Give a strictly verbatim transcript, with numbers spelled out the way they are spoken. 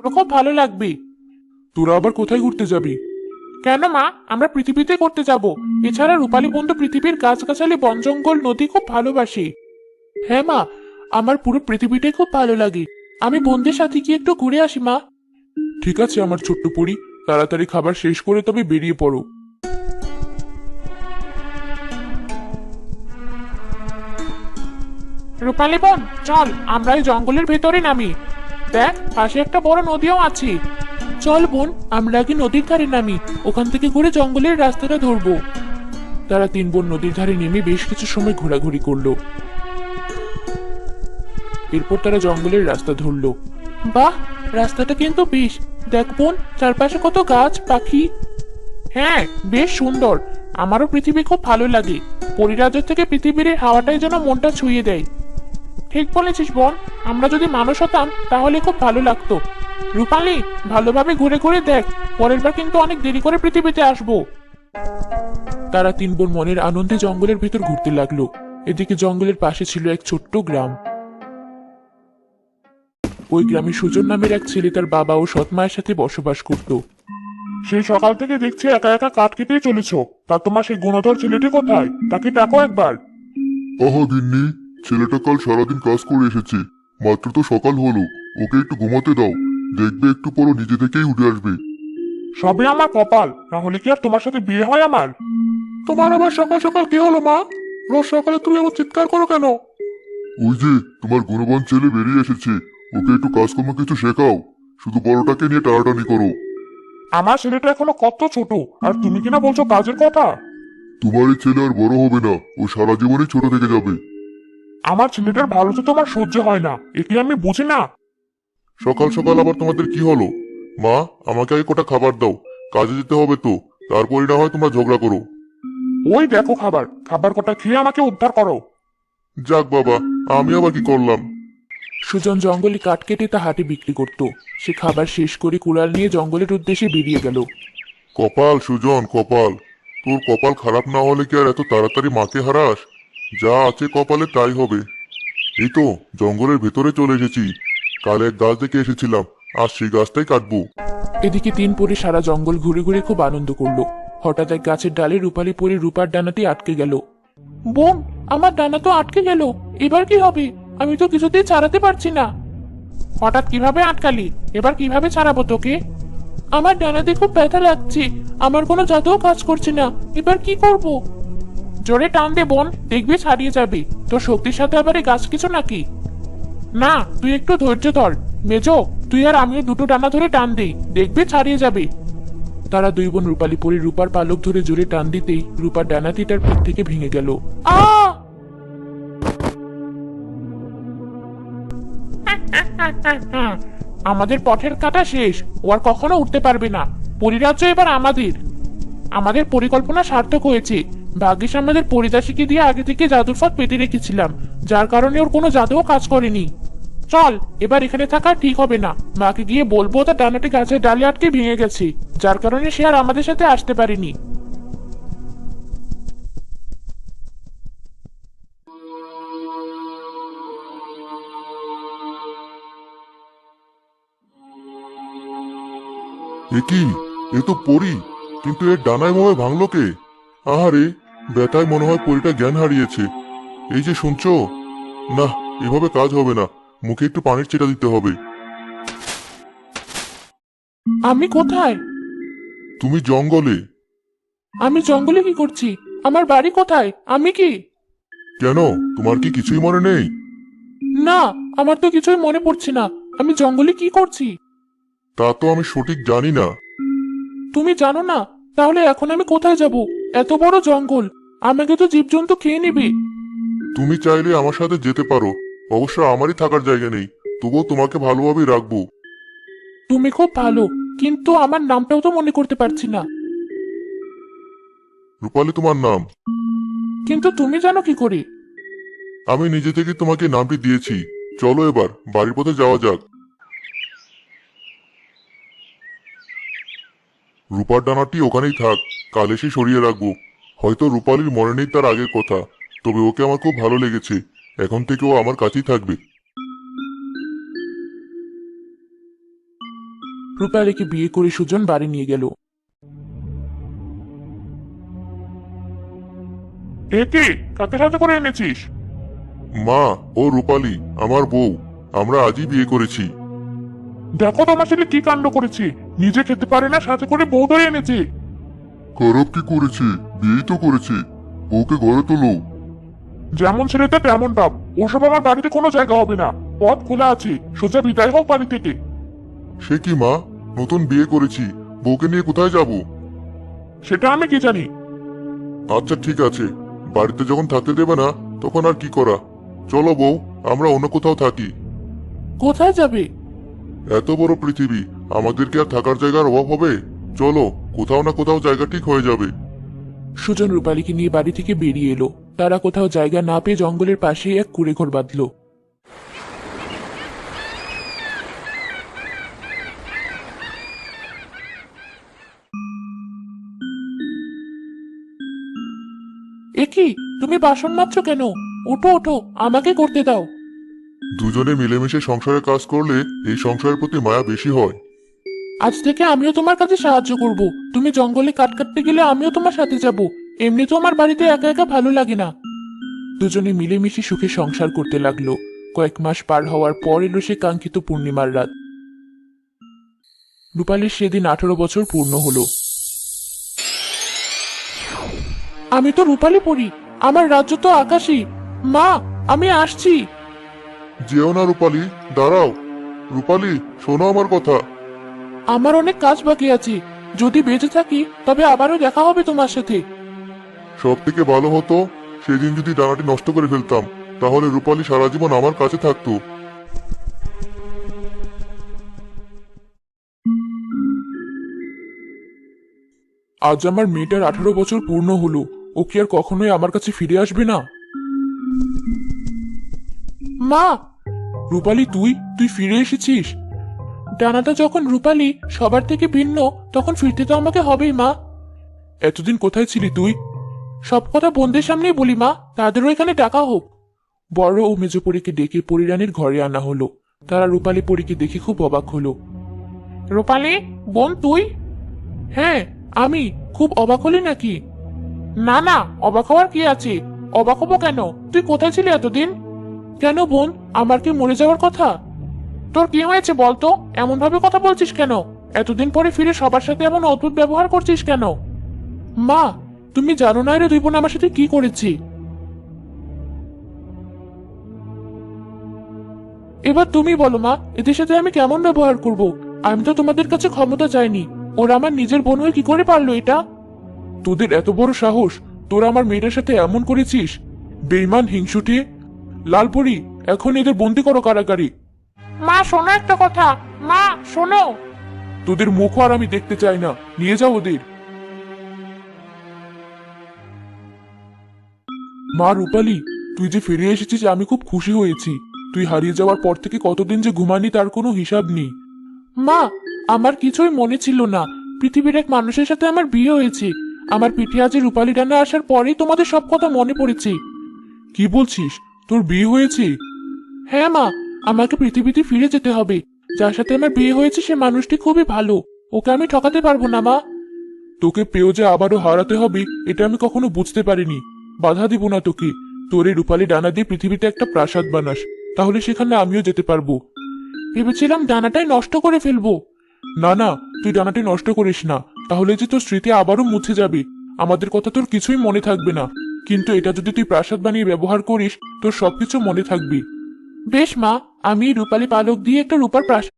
তোর খুব ভালো লাগবে। তোরা আবার কোথায় ঘুরতে যাবি? কেন মা, আমরা পৃথিবীতে করতে যাব। এছাড়া রূপালী বন্ধু পৃথিবীর গাছগাছালি বন জঙ্গল নদী খুব ভালোবাসে। হ্যাঁ মা, আমার পুরো পৃথিবীটাই খুব ভালো লাগে। আমি বন্ধুদের সাথে গিয়ে একটু ঘুরে আসি মা। ঠিক আছে আমার ছোট্ট পরি, তাড়াতাড়ি খাবার শেষ করে তবে বেরিয়ে পড়ো। রূপালী বোন, চল আমরা এই জঙ্গলের ভেতরে নামি। দেখ, পাশে একটা বড় নদীও আছে। চল বোন, আমরা আগে নদীর ধারে নামি, ওখান থেকে ঘুরে জঙ্গলের রাস্তাটা ধরবো। তারা তিন বোন নদীর ধারে নেমে বেশ কিছু সময় ঘোরাঘুরি করলো। এরপর তারা জঙ্গলের রাস্তা ধরলো। বাহ, রাস্তাটা কিন্তু বেশ। দেখ বোন, চারপাশে কত গাছ পাখি। হ্যাঁ, বেশ সুন্দর। আমারও পৃথিবী খুব ভালো লাগে। পরিরাজ্য থেকে পৃথিবীর এই হাওয়াটাই যেন মনটা ছুঁয়ে দেয়। ঠিক বলেছিস বোন, আমরা যদি মানুষ হতাম তাহলে খুব ভালো লাগতো। রূপালী, ভালোভাবে ঘুরে ঘুরে দেখ, পরের বার কিন্তু অনেক দেরি করে পৃথিবীতে আসবো। তারা তিন বোন মনের আনন্দে জঙ্গলের ভেতর ঘুরতে লাগলো। এদিকে জঙ্গলের পাশে ছিল এক ছোট্ট গ্রাম। ওই গ্রামে সুজন নামের এক ছেলে তার বাবা ও সৎ মায়ের সাথে বসবাস করত। সেই সকাল থেকে দেখছি একা একা কাঠ কেটেই চলেছ। তা তোমার সেই গুণধর ছেলেটি কোথায়? তাকে ডাকো একবার। আহা গিন্নি, ছেলেটা কাল সারাদিন কাজ করে এসেছে, মাত্র তো সকাল হলো। ওকে একটু ঘুমাতে দাও, দেখবে একটু পর ও নিজে থেকেই উঠে আসবে। সবে আমার কপাল, না হলে কি আর তোমার সাথে বিয়ে হয় আমার? তোমার আবার সকাল সকাল কি হলো মা? রোজ সকালে তুমি আমার চিৎকার করো কেন? ওই যে তোমার গুণবান ছেলে বেরিয়ে এসেছে, ওকে একটু কাজকর্ম কিছু শেখাও, শুধু বড়টাকে নিয়ে টানাটানি করো। আমার ছেলেটা এখনো কত ছোট, আর তুমি কিনা বলছো কাজের কথা? তোমার এই ছেলে আর বড় হবে না, ও সারা জীবনই ছোট থেকে যাবে। আমার ছেলেটার ভালো তো তোমার সহ্য হয় না, এ কি আমি বুঝি না? সকাল সকাল আবার তোমাদের কি হলো? মা, আমাকে আগে কটা খাবার দাও, কাজে যেতে হবে তো, তারপরে না হয় তোমরা ঝগড়া করো। ওই দেখো খাবার, খাবার কটা খেয়ে আমাকে উদ্ধার করো। যাক বাবা, আমি আবার কি করলাম? সুজন জঙ্গলে কাঠ কেটে তা হাটে বিক্রি করত। সে খাবার শেষ করে কুড়াল নিয়ে জঙ্গলের উদ্দেশ্যে বেরিয়ে গেল। কপাল সুজন, কপাল। তোর কপাল খারাপ না হলে কি আর এত তাড়াতাড়ি মাকে হারাস? যা আছে কপালে তাই হবে। এই তো জঙ্গলের ভেতরে চলে এসেছি। কাল এক গাছ দেখে এসেছিলাম, আজ সেই গাছটাই কাটবো। এদিকে তিন পরি সারা জঙ্গল ঘুরে ঘুরে খুব আনন্দ করলো। হঠাৎ এক গাছের ডালে রূপালী পরি রূপার ডানাটি আটকে গেল। বোন, আমার ডানা তো আটকে গেল, এবার কি হবে? আমি তো কিছুতেই ছাড়াতে পারছি না। হঠাৎ কিভাবে আটকালি? এবার কিভাবে ছাড়াবো তোকে? আমার ডানাতে খুব ব্যথা লাগছে, আমার কোনো জাদুও কাজ করছে না, এবার কি করব? জোরে টান দে বোন, দেখবি ছাড়িয়ে যাবে। তোর শক্তির সাথে আবার এই গাছ কিছু নাকি? না, তুই একটু ধৈর্য ধর। মেজো, তুই আর আমিও দুটো ডানা ধরে টান দিই, দেখবি ছাড়িয়ে যাবে। তারা দুই বোন রূপালী পরি রূপার পালক ধরে জোরে টান দিতেই রূপার ডানাটি তার পিঠ থেকে ভেঙে গেল। আ আমাদের পথের কাটা শেষ, ও আর কখনো উঠতে পারবে না। পরিরাজ্য এবার আমাদের। আমাদের পরিকল্পনা সার্থক হয়েছে। ভাগ্যিস আমাদের পরিদাসীকে দিয়ে আগে থেকে জাদুর ফাঁদ পেতে রেখেছিলাম, যার কারণে ওর কোনো জাদুও কাজ করেনি। চল, এবার এখানে থাকা ঠিক হবে না। মাকে গিয়ে বলবো তার ডানাটি গাছের ডালে আটকে ভেঙে গেছে, যার কারণে সে আর আমাদের সাথে আসতে পারেনি। এ কি? এ তো পরি, কিন্তু এর ডানায় ভাবে ভাঙলো কে? আহারে, ব্যথায় মনে হয় পরিটা জ্ঞান হারিয়েছে। এই যে শুনছো, না, এভাবে কাজ হবে না, মুখে একটু পানির ছিটা দিতে হবে। আমি কোথায়? তুমি জঙ্গলে। আমি জঙ্গলে কি করছি? আমার বাড়ি কোথায়? আমি কি? কেন, তোমার কি কিছুই মনে নেই? না, আমার তো কিছুই মনে পড়ছে না। আমি জঙ্গলে কি করছি? তা তো আমি সঠিক জানি না। তুমি জানো না? তাহলে এখন আমি কোথায় যাব? এত বড় জঙ্গল, আমাকে তো জীবজন্তু খেয়ে নেবে। তুমি চাইলে আমার সাথে যেতে পারো, অবশ্য আমারই থাকার জায়গা নেই, তবুও তোমাকে ভালোভাবেই রাখবো। তুমি খুব ভালো, কিন্তু আমার নামটাও তো মনে করতে পারছি না। রূপালী তোমার নাম। কিন্তু তুমি জানো কি করে? আমি নিজে থেকে তোমাকে নামটি দিয়েছি। চলো এবার বাড়ির পথে যাওয়া যাক। রূপার ডানাটি ওখানেই থাক, কাল এসে সরিয়ে রাখবো। হয়তো রূপালীর মনে নেই তার আগের কথা, তবে ওকে আমার খুব ভালো লেগেছে। এখন থেকে ও আমার কাছেই থাকবে। রূপালীকে বিয়ে করে সুজন বাড়ি নিয়ে গেল। এ কি কাকে সাথে করে এনেছিস? মা, ও রূপালী আমার বউ। আমরা আজই বিয়ে করেছি। দেখো তোমার ছেলে কি কাণ্ড করেছে, নিজে খেতে পারে না, সাথে করে বউ ধরে এনেছে। খারাপ কি করেছে? বিয়েই তো করেছে। বউকে ঘরে তোলো। যেমন ছেলেটা তেমন বাপ, ওসব আমার বাড়িতে কোনো জায়গা হবে না। পথ খোলা আছে, সোজা বিদায় হোক বাড়ি থেকে। সে কি মা, নতুন বিয়ে করেছি, বউকে নিয়ে কোথায় যাব? সেটা আমি কি জানি। আচ্ছা ঠিক আছে, বাড়িতে যখন থাকতে দেবে না তখন আর কি করা। চলো বউ, আমরা অন্য কোথাও থাকি। কোথায় যাবে? এত বড় পৃথিবী, আমাদের কি আর থাকার জায়গার অভাব হবে? চলো, কোথাও না কোথাও জায়গা ঠিক হয়ে যাবে। সুজন রূপালীকে নিয়ে বাড়ি থেকে বেরিয়ে এলো। তারা কোথাও জায়গা না পেয়ে জঙ্গলের পাশেই এক কুঁড়ে ঘর বাঁধল। এ কি, তুমি বাসন মাজছো কেন? ওঠো ওঠো, আমাকে করতে দাও। দুজনে মিলেমিশে সংসারে কাজ করলে এই সংসারের প্রতি মায়া বেশি হয়। আজ থেকে আমিও তোমার কাছে সাহায্য করব। তুমি জঙ্গলে কাঠ কাটতে গেলে আমিও তোমার সাথে যাব। এমনি তো আমার বাড়িতে একা একা ভালো লাগে না। দুজনে মিলেমিশে সুখে সংসার করতে লাগলো। কয়েক মাস পার হওয়ার পর এলো সে কাঙ্ক্ষিত পূর্ণিমার রাত। রূপালীর সেদিন আঠারো বছর পূর্ণ হলো। আমি তো রূপালী পড়ি, আমার রাজ্য তো আকাশী। মা, আমি আসছি। যেও না রূপালী, দাঁড়াও। রূপালী, শোনো আমার কথা। আমার অনেক কাজ বাকি আছে। যদি বেঁচে থাকি তবে আবারও দেখা হবে তোমার সাথে। সব থেকে ভালো হতো সেদিন যদি ডানাটি নষ্ট করে ফেলতাম, তাহলে রূপালী সারা জীবন আমার কাছে থাকতো। আজ আমার মেয়েটার আঠারো বছর পূর্ণ হলো। ও কি আর কখনোই আমার কাছে ফিরে আসবে না? মা, রূপালী, তুই তুই ফিরে এসেছিস? ডানাটা যখন রূপালী সবার থেকে ভিন্ন, তখন ফিরতে তো আমাকে হবেই মা। এতদিন কোথায় ছিলি তুই? সব কথা বোনদের সামনেই বলি মা, তাদেরও এখানে ডাকা হোক। বড় ও মেজপরীকে ডেকে পরিরানীর ঘরে আনা হলো। তারা রূপালী পরীকে দেখে খুব অবাক হলো। রূপালী, বোন তুই? হ্যাঁ আমি। খুব অবাক হলি নাকি? না না, অবাক হওয়ার কি আছে? অবাক হবো কেন? তুই কোথায় ছিলি এতদিন? কেন বোন, আমার কি মরে যাওয়ার কথা? তোর কি হয়েছে বলতো? এমন ভাবে কথা বলছিস কেন? এতদিন পরে ফিরে সবার সাথে এমন অদ্ভুত ব্যবহার করছিস কেন? মা, তুমি জানো না রে দুই বোন আমার সাথে কি করেছি। এবার তুমি বলো মা, এদের সাথে আমি কেমন ব্যবহার করব? আমি তো তোমাদের কাছে ক্ষমতা চাইনি। ওরা আমার নিজের বোন হয়ে কি করে পারলো এটা? তোদের এত বড় সাহস, তোরা আমার মেয়েটার সাথে এমন করেছিস? বেঈমান, হিংসুটে! লালপরি, এখন এদের বন্দি করো কারাগারে। মা শোনো একটা কথা, মা শোনো। তোদের মুখও আর আমি দেখতে চাই না, নিয়ে যাও ওদের। মা রূপালী, তুই যে ফিরে এসেছিস আমি খুব খুশি হয়েছি। তুই হারিয়ে যাওয়ার পর থেকে কতদিন যে ঘুমানি তার কোনো হিসাব নেই। মা, আমার কিছুই মনে ছিল না। পৃথিবীর এক মানুষের সাথে আমার বিয়ে হয়েছে। আমার পিঠে আজ রূপালী ডানা আসার পরেই তোমাদের সব কথা মনে পড়েছে। কি বলছিস? তোর বিয়ে হয়েছে? হ্যাঁ মা, আমাকে পৃথিবীতে ফিরে যেতে হবে। যার সাথে আমার বিয়ে হয়েছে সে মানুষটি খুবই ভালো। ওকে আমি ঠকাতে পারবো না মা। তোকে পেয়েও যে আবারও হারাতে হবে এটা আমি কখনো বুঝতে পারিনি। বাধা দিব না তোকে। তোর এই রূপালী ডানা দিয়ে পৃথিবীতে একটা প্রাসাদ বানাস, তাহলে সেখানে আমিও যেতে পারবো। ভেবেছিলাম ডানাটাই নষ্ট করে ফেলবো। না না, তুই ডানাটি নষ্ট করিস না, তাহলে যে তোর স্মৃতি আবারও মুছে যাবে। আমাদের কথা তোর কিছুই মনে থাকবে না, কিন্তু এটা যদি তুই প্রাসাদ বানিয়ে ব্যবহার করিস তোর সবকিছু মনে থাকবে। বেশ মা, আমি রূপালী পালক দিয়ে একটা রূপার প্রাসাদ